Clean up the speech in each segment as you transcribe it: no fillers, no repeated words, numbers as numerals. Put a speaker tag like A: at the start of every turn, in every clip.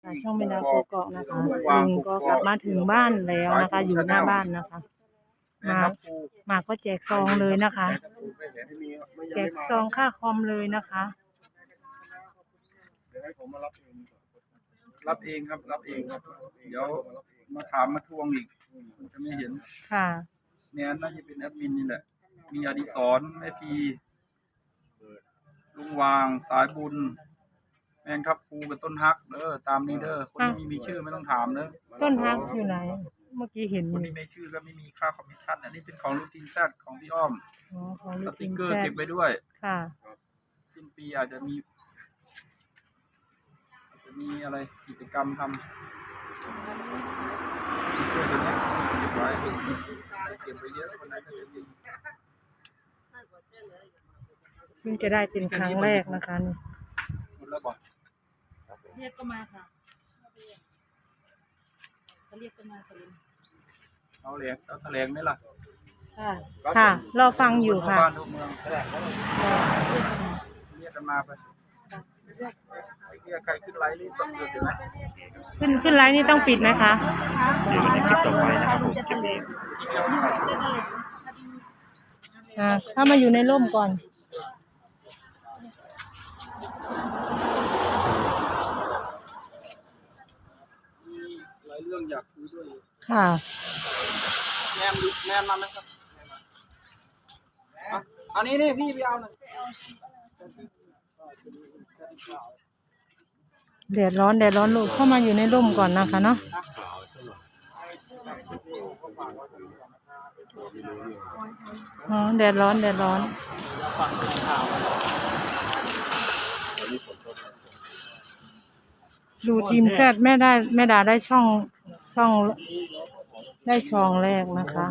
A: นะคะช่องแม่ดาวกกอกนะคะลุงก็กลับมาถึงบ้านแล้วนะคะ อยู่หน้าบ้านนะคะมาก็แจกซองเลยนะคะแจกซองค่าคอมเลยนะคะ
B: รับเองครับรับเองครับเดี๋ยวมาถามมาทวงอีกจะไม่เห็น
A: ค่ะ
B: เนี่ยน่าจะเป็นแอดมินนี่แหละมีอดิศรแม่พีลุงวางสายบุญแมงทับภูกับต้นฮักตามนี้คนที่ไม่มีชื่อไม่ต้องถาม
A: ต้นฮักอยู่ไหนเมื่อกี้เห็น
B: คนที่ไม่ชื่อก็ไม่มีค่าคอมมิชชั่นอันนี้เป็นของลูกทีมแซดของพี่อ้อมสติกเกอร์เก็บไว้ด้วย
A: ค่ะ
B: สิ้นปีอาจจะมีอะไรกิจกรรมทำเก็บไว้เก็บไปเยอะคนไหนจะเป็น
A: เพิ่งจะได้เป็นครั้งแรกนะคะนี่
B: หมดแล้วบอก
A: เรียกก็มาค่ะเขาเรียกก็มา
B: เอาแถลงไหมล่ะ
A: ค่ะรอฟังอยู่ค่ะ
B: บ้านทุกเมืองแถลงเรียกกันมาไปใครขึ้นไลน์นี่สดอยู่นะ
A: ขึ้นไลน์นี่ต้องปิดไหมคะ
C: อยู่ในคลิปต่อไปนะครับผมคลิปนี้
A: ถ้ามาอยู่ในร่มก่อน
B: หลายเรื่องอยากคุยด้วย
A: ค่ะ
B: แมนมาไหมครับอันนี้นี่พี่ไปเอาหน่อย
A: แดดร้อนลูกเข้ามาอยู่ในร่มก่อนนะคะเนาะแดดร้อนดูทีมแซดแม่ดาได้ช่องได้ช่องแรกนะคะ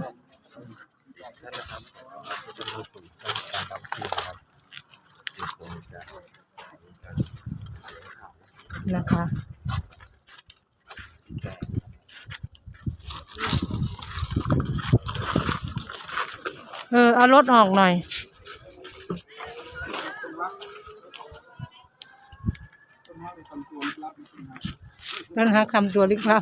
A: เอารถออกหน่อยต้นฮักทำตัวลึกลับ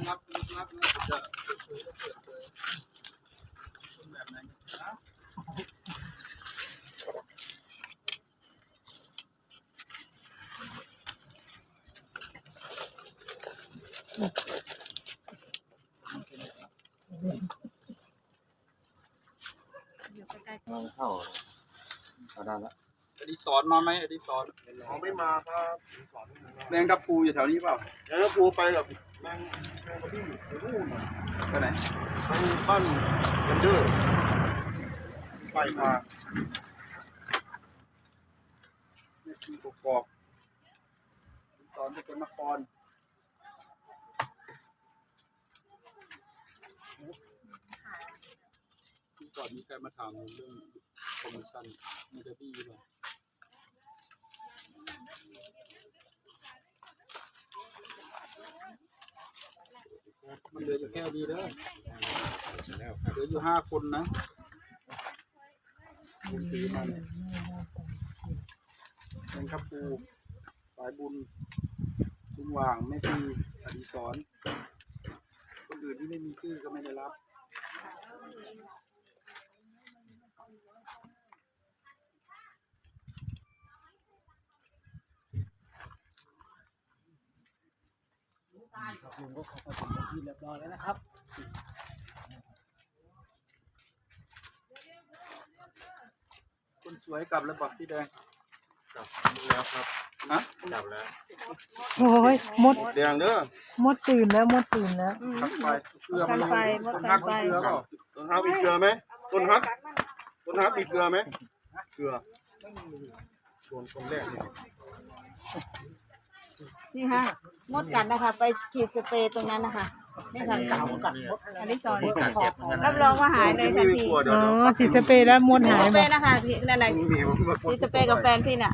C: เข้าได้แล้ว
B: อดิศรมาไหมอดิศร
C: ไม่มาครับ
B: แมงทับภูอยู่แถวนี้เปล่า
C: แมงทับภูไปกับแมงกระบี่ไปนู่น
B: ไปไหน
C: ไปบ้านเรนเดอร์ไปมา
B: ไม่มีกกอกอดิศรเป็นนครก่อนมีใครมาถามเรื่องคอมมิชชั่นมันจะดีหรือเปล่ามันเหลืออยู่แค่ดีเหลืออยู่5 คนนะซื้อมาเนี่ยเป็นข้าวปูสายบุญลุงว่างแม่พีอดิศรคนอื่นที่ไม่มีชื่อก็ไม่ได้รับ
D: ลุงก็เข้าไปถึงที่เรียบร้อยแล้วนะครับ
B: คนสวยกลับแล้วบอกพี่แดง
C: กลับแล้วครับกลับแล้ว
A: โอ้ยมด
C: แดงเด้อ
A: มดตื่นแล้ว
B: ทักไปเกลือมันต้นฮักมีเกลือเปล่า
C: ต้นฮักมีเกลือไหมต้นฮักมีเกลือไหมเกลือโดนคนแรก
E: นี่ค่ะมดกัดนะคะไปฉีดสเปรย์ตรงนั้นนะคะนี่ค่ะเก่ากัดมดอันนี้ซอยรับรองว่าหายเลยทันที
A: ฉีดสเปรย์แล้วมดหาย
E: สเปรย์นะคะพี่นั่นแหละฉีดสเปรย์กับแฟนพี่น่ะ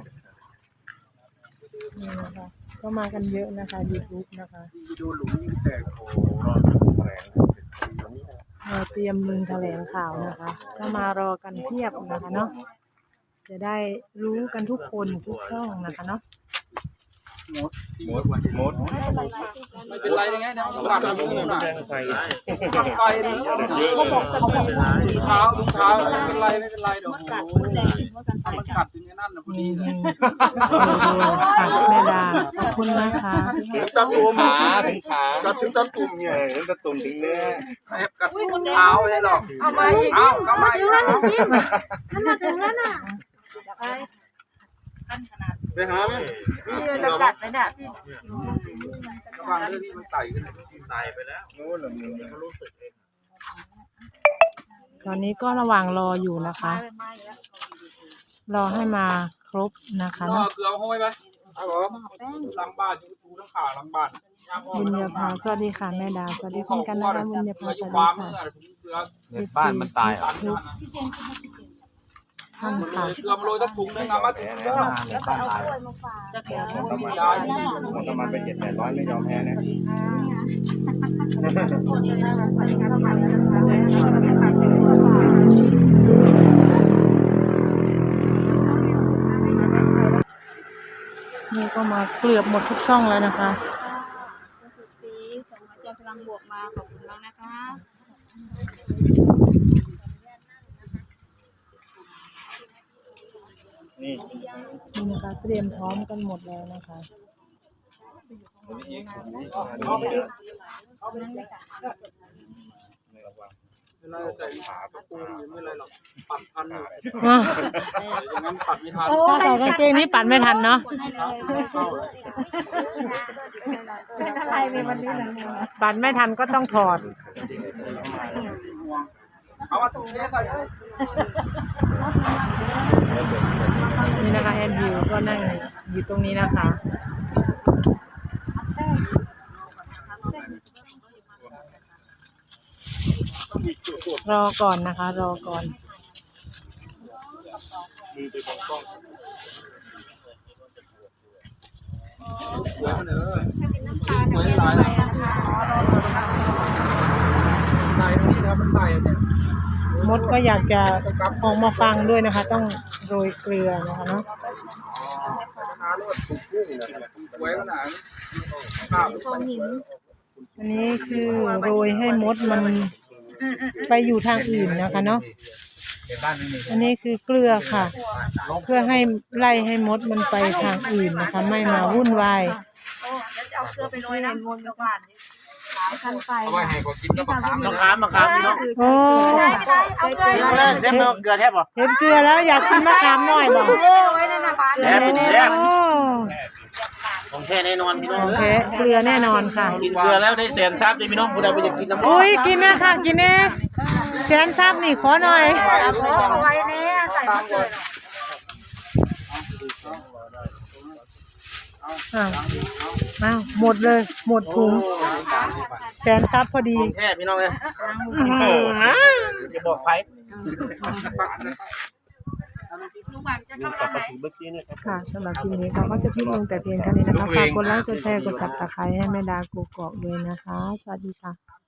A: นี่นะคะก็มากันเยอะนะคะ YouTube นะคะ
B: ดูหลุมยิ่งแตก
A: เตรียมลุงแถลงข่าวนะคะก็มารอกันเทียบนะคะเนาะจะได้รู้กันทุกคนทุกช่องนะคะเนาะ
B: มดไม่เป็นไรยังไงนะกัดผมนะกัดไปนะเขาบอกถุงเท้าไม่เป็นไรเดี๋ยวมันกัดถึงนั่นนะพอดีเลย
A: ค่ะแม่ดาขอบคุณนะคะ
C: ถึงตะตุ่ม
B: ถึงขา
C: กัดถึงตะตุ่มเนี่ย
B: ถึงตะตุ่มถึงเนื้อกัดเท้าไม่ได้หรอกเอามาอีกเอามาอีก
C: ไปหาไหม
E: จะกัดไหมเนี่ย
B: กำลังเรื่องที่มันไต่ขึ้นไต่ไปแล้วโน้นหรือมึงเขารู้สึกเอง
A: ตอนนี้ก็ระหว่างรออยู่นะคะ รอให้มาครบนะคะ
B: ก็
A: เนาะ
B: เกลือห้อยไหมครับผมหลังบ้านอยู่ทูทั้งขาหลังบ้าน
A: บุญญาภาสวัสดีค่ะแม่ดาสวัสดีเช่นกันนะคะบุญญาภาสวัสดีค่ะ
B: บ้านมันตายอ่ะ
A: ท่านค่ะ
B: เกลือมาโรยตะถุงนึงนะมาถึงแล้วบ้านตายยายนี่
C: ประมาณไป700-800ไม่ยอมแพ้นะ
A: นี่ก็มาเกลือบหมดทุกช่องแล้วนะคะ
E: สีส่งมาจากพลังบวกมาขอบคุณมากนะคะ
A: นี่นะคะเตรียมพร้อมกันหมดแล้วนะคะ
B: เวลาใส่ขาตะปูไม่อะไรหรอกปัดทันอยู่
A: อ้าว
B: อย่างนั้นปัดไม่ทัน
A: ถ้าใส่กางเกงนี้ปัดไม่ทันเนาะ
E: เป็นอะไรในวันนี้เลย
A: ปัดไม่ทันก็ต้องถอด
B: เอามาถุงนี้ใส่
A: นี่นะคะแอนดิวก็นั่งอยู่ตรงนี้นะคะ รอก่อนนะคะ รอก่อน
B: สวยมันสวยหลายไต่ตรงนี้นะครับมันไต่เนี่ย
A: มดก็อยากจะออกมาฟังด้วยนะคะ ต้องโรยเกลือนะคะเนาะ
B: สวยขนาดข้าว
A: อันนี้คือโรยให้มดมันไปอยู่ทางอื่นนะคะเนาะอันนี้คือเกลือค่ะ เพื่อให้ไล่ให้มดมันไปทางอื่นนะคะ ไม่มาวุ่นวาย
E: เอาเกลือไปโรยน้ำมนต์กับหวานทันไป
B: เอาไว้ให้เขากินกับมะขาม
D: มะขามพี่น้อง
A: โอ้
E: เอาเกลือ
D: กินมาแล้วเซฟเกลือแทบบ่
A: เห็นเกลือแล้วอยากกินมะขามหน่อยบอก
E: ไว้ในน้ำบ้าน
D: แซ่บเป็นแซ่บ
A: โอ้
D: ของแท้แน่นอนพี่น้อง
A: โอเคเกลือแน่นอนค่ะ
D: กินเกลือแล้วได้แสนทรัพย์เลยพี่น้องผู้ใดไปอยากกินน้ำ
A: อุ้ยกินนะค่ะกินแน่แสนทราบนี่ขอหน่อย
E: เอาไว้เนี่ยใส่เกลือ
A: อ้าวหมดเลยหมดถุงแสนทรัพย์พอดี
D: แท้พี่น้องเลยอย่าบอกใคร
A: ค่ะสำหรับคลิปนี้เขาก็จะพิมพ์ลงแต่เพียงเท่านี้นะคะฝากกดไลค์กดแชร์กดซับสไครต์ให้แม่ดากูกอกด้วยนะคะ สวัสดีค่ะ